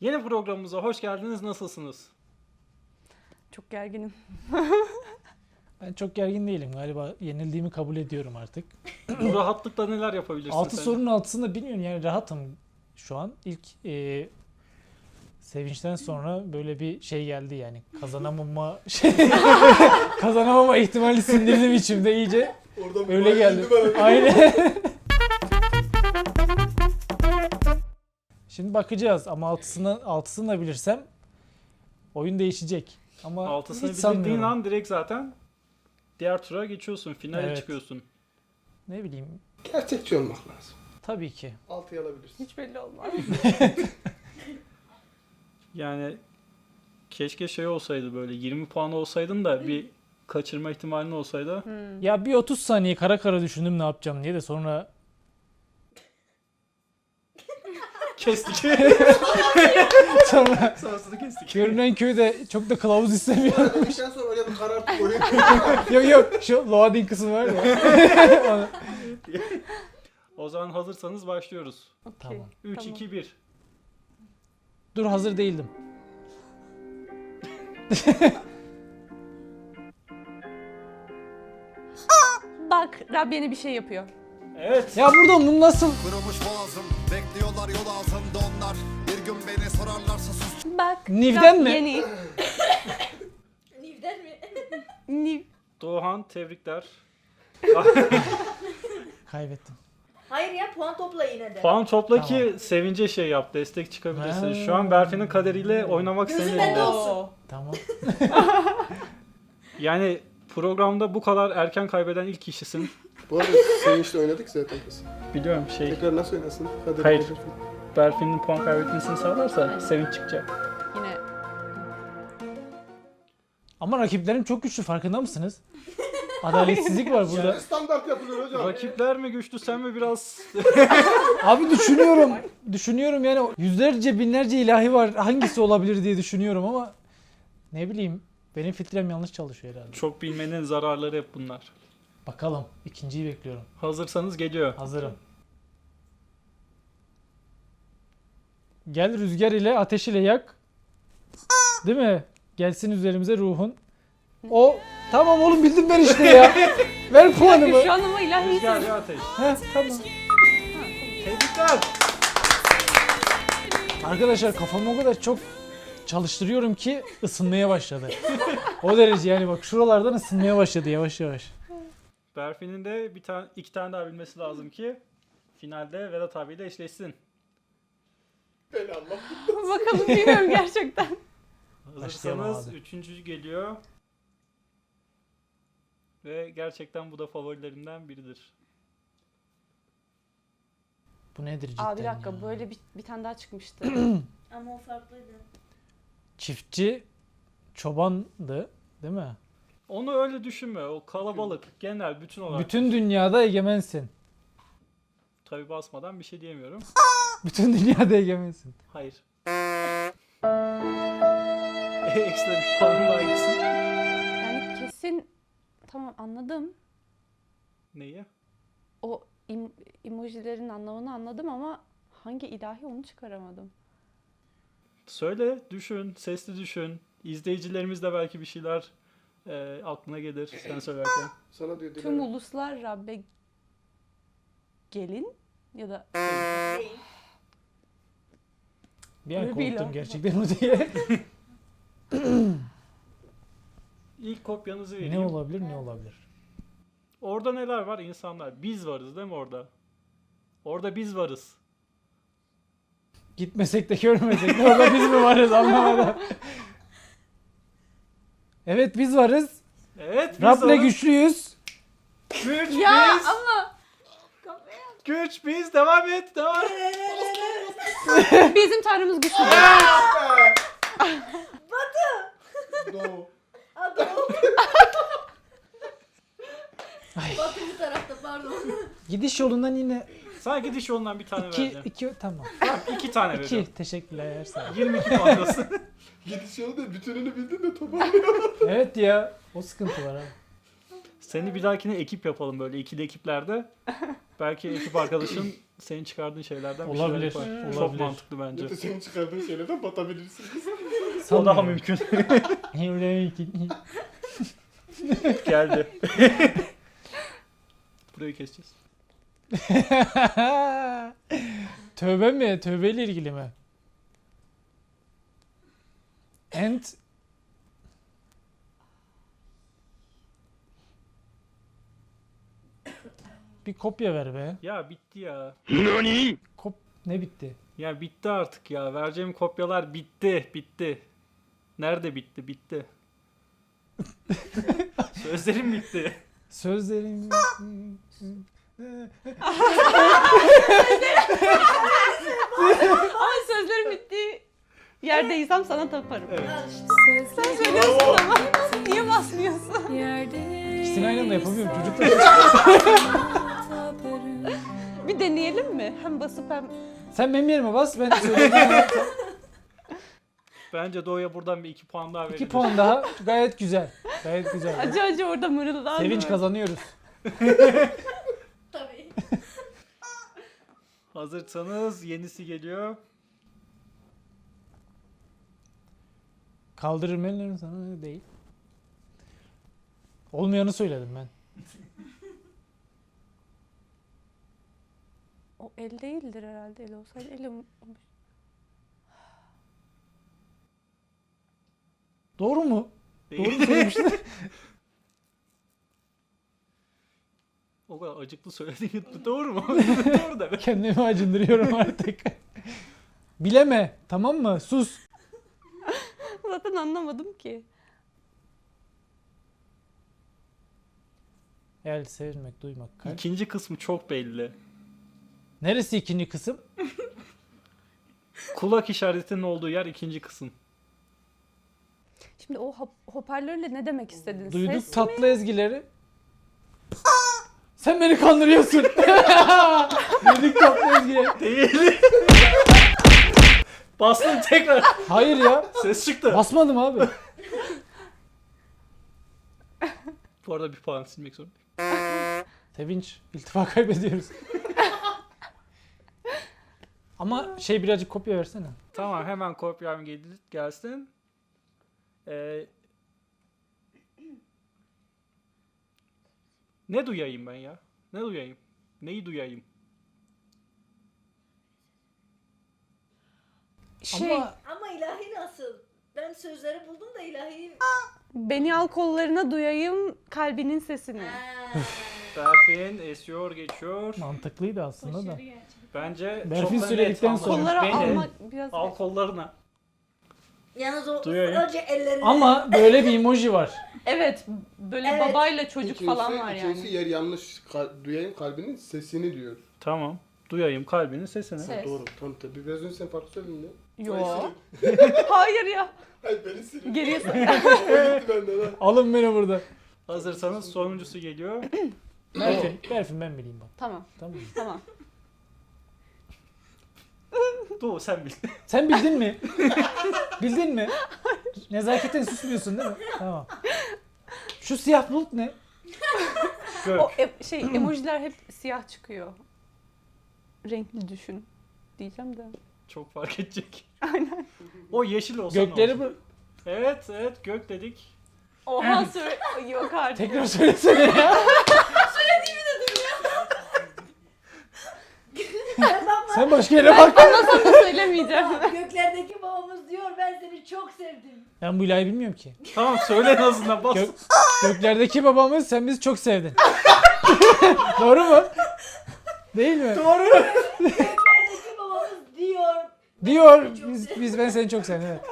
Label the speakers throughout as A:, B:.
A: Yeni programımıza hoş geldiniz. Nasılsınız?
B: Çok gerginim.
C: Ben çok gergin değilim. Galiba yenildiğimi kabul ediyorum artık.
A: Bu rahatlıkla neler yapabilirsin
C: 6
A: sen?
C: sorunun altısında bilmiyorum yani rahatım şu an. İlk sevinçten sonra böyle bir şey geldi yani. Kazanamama ihtimali sindirdim içimde iyice.
D: Oradan
C: Öyle geldi.
D: indi bana.
C: Aynen. Şimdi bakacağız ama altısını da bilirsem oyun değişecek. Ama
A: Altısını
C: hiç
A: bildiğin
C: sanmıyorum.
A: an direkt zaten diğer tura geçiyorsun. Finale
C: Evet.
A: çıkıyorsun.
C: Ne bileyim.
D: Gerçekçi olmak lazım.
C: Tabii ki.
D: 6'yı alabilirsin.
B: Hiç belli olmaz.
A: Yani keşke şey olsaydı, böyle 20 puan olsaydın da bir kaçırma ihtimalin olsaydı.
C: Ya bir 30 saniye kara kara düşündüm ne yapacağım diye de sonra
A: Kestik.
C: sonra
A: Sonrasını kestik.
C: görünen köyde çok da kılavuz istemiyor.
D: Dedikten sonra oraya bir karartıp oraya
C: Yok şu loading kısmı var ya.
A: O zaman hazırsanız başlıyoruz.
B: Okey.
C: Tamam.
A: 3,
B: Tamam.
A: 2, 1.
C: Dur hazır değildim.
B: Bak Rab yeni bir şey yapıyor.
A: Evet.
C: Ya buradan bunu nasıl?
E: Kırılmış boğazım, bekliyorlar yol ağzımda onlar. Bir gün beni sorarlarsa sus.
B: Bak
C: Niv'den
B: Rab
C: mi?
B: Yeni.
F: Niv'den mi?
B: Niv.
A: Doğan, tebrikler.
C: Kaybettim.
F: Hayır ya, puan topla yine de.
A: Puan topla ki
C: Tamam.
A: sevince şey yap, destek çıkabilirsin.
C: Ha.
A: Şu an Berfin'in kaderiyle oynamak
F: Gözün
A: senin
F: bende
A: elinde.
F: olsun.
C: Tamam.
A: Yani programda bu kadar erken kaybeden ilk kişisin.
D: Bu arada Sevinç'le oynadık zaten biz.
A: Biliyorum şey,
D: Tekrar nasıl oynasın? Hadi
A: Hayır.
D: bakalım.
A: Berfin'in puan kaybetmesini sağlarsa sevinç çıkacak.
B: Yine.
C: Ama rakiplerim çok güçlü farkında mısınız? Adaletsizlik var burada.
D: Yani standart yapılıyor hocam.
A: Rakipler mi güçlü, sen mi biraz?
C: Abi düşünüyorum. Düşünüyorum yani yüzlerce binlerce ilahi var. Hangisi olabilir diye düşünüyorum ama ne bileyim benim filtrem yanlış çalışıyor herhalde.
A: Çok bilmenin zararları hep bunlar.
C: Bakalım ikinciyi bekliyorum.
A: Hazırsanız geliyor.
C: Hazırım. Gel rüzgar ile ateş ile yak. Değil mi? Gelsin üzerimize ruhun. O tamam oğlum bildim ben işte ya. Ver puanımı.
B: Şu an ama ilahi
A: Rüzgar ya ateş.
C: Heh, tamam.
A: Tebrikler.
C: Arkadaşlar kafamı o kadar çok çalıştırıyorum ki ısınmaya başladı. O derece yani bak şuralardan ısınmaya başladı yavaş yavaş.
A: Berfin'in de iki tane daha bilmesi lazım ki finalde Vedat abiyle eşleşsin.
D: Eyvallah.
B: Bakalım bilmiyorum gerçekten.
C: Başlayalım
A: Hazırsanız
C: abi.
A: üçüncü geliyor. Ve gerçekten bu da favorilerimden biridir.
C: Bu nedir cidden
B: Aa bir dakika
C: ya?
B: böyle bir tane daha çıkmıştı.
F: Ama o farklıydı.
C: Çiftçi çobandı değil mi?
A: Onu öyle düşünme. O kalabalık, genel, bütün olarak.
C: Bütün dünyada egemensin.
A: Tabii basmadan bir şey diyemiyorum.
C: Bütün dünyada egemensin.
A: Hayır. Ekstra bir puan daha gitsin.
B: Yani kesin tamam anladım.
A: Neyi?
B: O emojilerin anlamını anladım ama hangi ilahi onu çıkaramadım.
A: Söyle, düşün, sesli düşün. İzleyicilerimiz de belki bir şeyler aklına gelir sen söylerken.
D: Sana diyor
B: Tüm
D: Dilara.
B: uluslar Rabbe gelin ya da
F: Değil.
C: Bir an
B: Öyle değil
C: korktum
B: ha.
C: gerçekten o diye.
A: İlk kopyanızı vereyim.
C: Ne olabilir ne olabilir?
A: Orada neler var? İnsanlar. Biz varız değil mi orada? Orada biz varız.
C: Gitmesek de görmesek de orada biz mi varız anlamadım. Evet biz varız.
A: Evet biz
C: Rab'le
A: varız.
C: güçlüyüz.
A: Güç
B: ya
A: biz.
B: ama
A: Güç biz. Devam et. Devam et.
B: bizim tanrımız güçlü.
D: Doğu.
F: Adam.
C: Ay.
F: Batı bu tarafta, pardon.
C: Gidiş yolundan yine
A: Sana diş yolundan bir tane vereceğim.
C: iki tamam.
A: Tamam, 2 tane veriyorum.
C: 2 teşekkürler sağ ol.
A: 22 puandasın.
D: Gidiş yolu da bütününü bildin de toparlıyor.
C: Evet ya o sıkıntı var abi.
A: Seni bir dahakine ekip yapalım böyle ikili ekiplerde. Belki ekip arkadaşın senin çıkardığın şeylerden bir şeyler
C: Olabilir,
A: yapar. Çok
C: olabilir.
A: mantıklı bence.
D: Mete senin çıkardığın şeylerden batabilirsiniz.
A: O daha mümkün. Geldi. Burayı keseceğiz.
C: Tövbe mi? Tövbeyle ilgili mi? And bir kopya ver be.
A: Ya bitti ya.
C: Ne bitti?
A: Ya bitti artık ya. Vereceğim kopyalar bitti. Bitti. Nerede bitti? Bitti. Sözlerim bitti.
C: Sözlerim.
B: Ama sözlerim bittiği yerdeysem sana taparım.
A: Evet.
B: Sen söylüyorsun ama niye basmıyorsun?
C: İkisini aynı anda yapamıyorum çocuklar.
B: Bir deneyelim mi? Hem basıp hem...
C: Sen benim yerime bas, ben söyleyeyim.
A: Bence Doğu'ya buradan bir 2 puan daha
C: 2
A: verilir.
C: puan daha, gayet güzel. Gayet güzel.
B: Acı acı orada mırıldandı.
C: Sevinç kazanıyoruz.
F: Tabii.
A: Hazırsanız yenisi geliyor.
C: Kaldırırım ellerini sana değil. Olmayanı söyledim ben.
B: O el değildir herhalde. El olsaydı el olmuş.
C: Doğru mu?
A: Değil.
C: Doğru mu söylemiştin?
A: O kadar acıklı söylediğin doğru mu? Doğru da be.
C: Kendimi acındırıyorum artık. Bileme, tamam mı? Sus.
B: Zaten anlamadım ki.
C: El sevmek, duymak, kalp.
A: İkinci kısmı çok belli.
C: Neresi ikinci kısım?
A: Kulak işaretinin olduğu yer ikinci kısım.
B: Şimdi o hoparlörle ne demek istedin?
C: Duyduk
B: Ses mi?
C: tatlı ezgileri. Sen beni kandırıyorsun. Duyduk tatlı ezgileri.
A: Değil. Bastın tekrar.
C: Hayır ya.
A: Ses çıktı.
C: Basmadım abi.
A: Bu arada bir puan silmek zorundayım.
C: Sevinç, iltifa kaybediyoruz. Ama birazcık kopya versene.
A: Tamam hemen kopyam gelsin. Ne duyayım ben ya? Ne duyayım? Neyi duyayım?
C: Ama
F: Ama ilahi nasıl? Ben sözleri buldum da ilahi...
B: Beni al kollarına duyayım kalbinin sesini.
A: Berfin esiyor geçiyor.
C: mantıklıydı aslında da.
F: Başarı gerçekten.
A: Bence
C: Berfin
A: çok da net
C: söyledikten
A: anladım.
C: sonra-
B: Kollara
A: Beni
B: almak biraz...
A: al kollarına.
F: Yalnız o
A: Duyayım.
F: önce ellerini...
C: Ama böyle bir emoji var.
B: Evet, böyle
F: Evet.
B: babayla çocuk falan var yani.
D: İkincisi yer yanlış. Duyayım kalbinin sesini diyor.
A: Tamam. Duyayım kalbinin sesini.
B: Ses.
D: Doğru. Tamam tabii. Biraz önce sen farklı söyledin ya.
B: Yo.
D: Ay,
B: Hayır ya.
D: Hayır beni silin.
B: Geriye
D: O gitti benden ha.
C: Alın beni burada.
A: Hazırsanız sonuncusu geliyor.
C: Berfin ben bileyim bak.
B: Tamam,
C: Tamam mı?
B: tamam.
A: Doğu sen bil.
C: Sen bildin mi? Bildin mi? Nezaketen susmuyorsun değil mi? Tamam. Şu siyah bulut ne?
A: Gök.
B: O emojiler hep siyah çıkıyor. Renkli düşün diyeceğim de.
A: Çok fark edecek. Aynen. O yeşil olsa ne
C: Gökleri
A: olur?
C: bu.
A: Evet gök dedik.
B: Oha yok artık.
C: Tekrar söylesene ya. Sen başka yere bak.
B: Anlasam da söylemeyeceğim.
F: Göklerdeki babamız diyor ben seni çok sevdim.
C: Ben bu ilahi bilmiyorum ki.
A: Tamam söyle en azından bas.
C: Göklerdeki babamız sen bizi çok sevdin. Doğru mu? Değil mi?
A: Doğru.
F: Göklerdeki babamız diyor.
C: Diyor. Ben seni çok sevdim. Evet.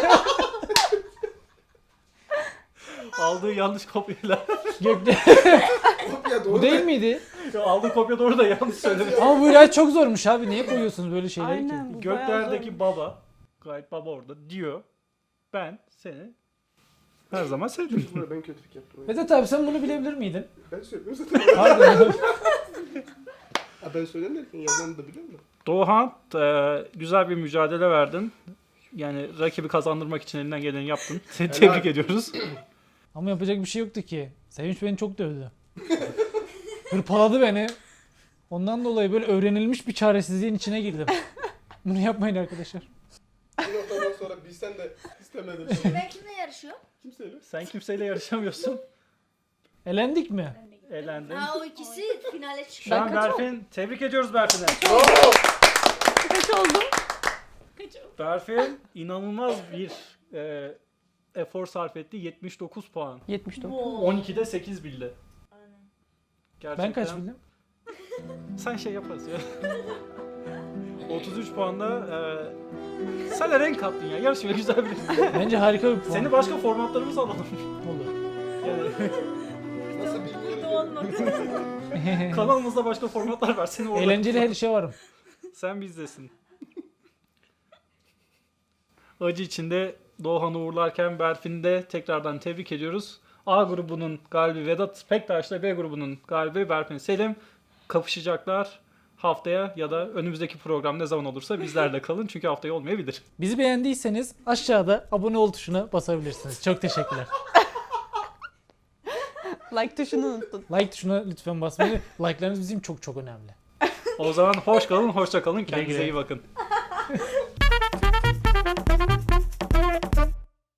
A: Aldığı yanlış kopyayla.
C: Gökler.
D: Kopya doğru.
C: Bu değil miydi?
A: Aldığı kopya doğru da yanlış söyledi.
C: Ama bu ilahi çok zormuş abi. Niye koyuyorsunuz böyle şeyleri
B: Aynen
C: ki?
B: bu bayağı
A: Göklerdeki baba, gayet baba orada diyor. Ben seni her zaman sevdim.
D: Burada ben kötülük yaptım.
C: Vedat abi sen bunu bilebilir miydin?
D: Ben söylüyorum zaten.
C: Pardon.
D: Ha, ben söyleyeyim derken yazanı da biliyor musun?
A: Doğan güzel bir mücadele verdin. Yani rakibi kazandırmak için elinden geleni yaptın. Seni
D: Helal.
A: tebrik ediyoruz.
C: Ama yapacak bir şey yoktu ki. Sevinç beni çok dövdü. Hırpaladı beni. Ondan dolayı böyle öğrenilmiş bir çaresizliğin içine girdim. Bunu yapmayın arkadaşlar.
D: Bir noktadan sonra bilsen de istemedin.
F: Ben kimle yarışıyorum?
D: Kimseyle.
A: Sen kimseyle yarışamıyorsun.
C: Elendik mi?
A: Elendin.
F: Ha o ikisi finale
A: Şu
F: çıkıyor.
A: an Berfin, tebrik ediyoruz Berfin'e.
B: Kaç oldum?
A: Berfin inanılmaz bir efor sarf etti. 79 puan.
B: 79.
A: 12'de 8 bildi.
F: Aynen.
A: Gerçekten.
C: Ben kaç bildim?
A: Sen şey yaparız ya. 33 puanda sen de renk kattın ya. Yarışma güzel bir.
C: Bence harika bir puan.
A: Seni başka formatlarımız alalım.
C: Olur.
A: Yani
D: Nasıl bilmiyorum.
A: kanalımızda başka formatlar var. Seni orada.
C: Eğlenceli her işe varım.
A: Sen bizdesin. Acı içinde Doğan'ı uğurlarken Berfin'i de tekrardan tebrik ediyoruz. A grubunun galibi Vedat Pektaş'la B grubunun galibi Berfin Selim kapışacaklar. Haftaya ya da önümüzdeki program ne zaman olursa bizlerle kalın. Çünkü haftaya olmayabilir.
C: Bizi beğendiyseniz aşağıda abone ol tuşuna basabilirsiniz. Çok teşekkürler.
B: Like tuşunu unuttun.
C: Like tuşuna lütfen basmayı. Like'larınız bizim çok çok önemli.
A: O zaman hoş kalın, hoşça kalın. Kendinize
C: güle.
A: iyi bakın.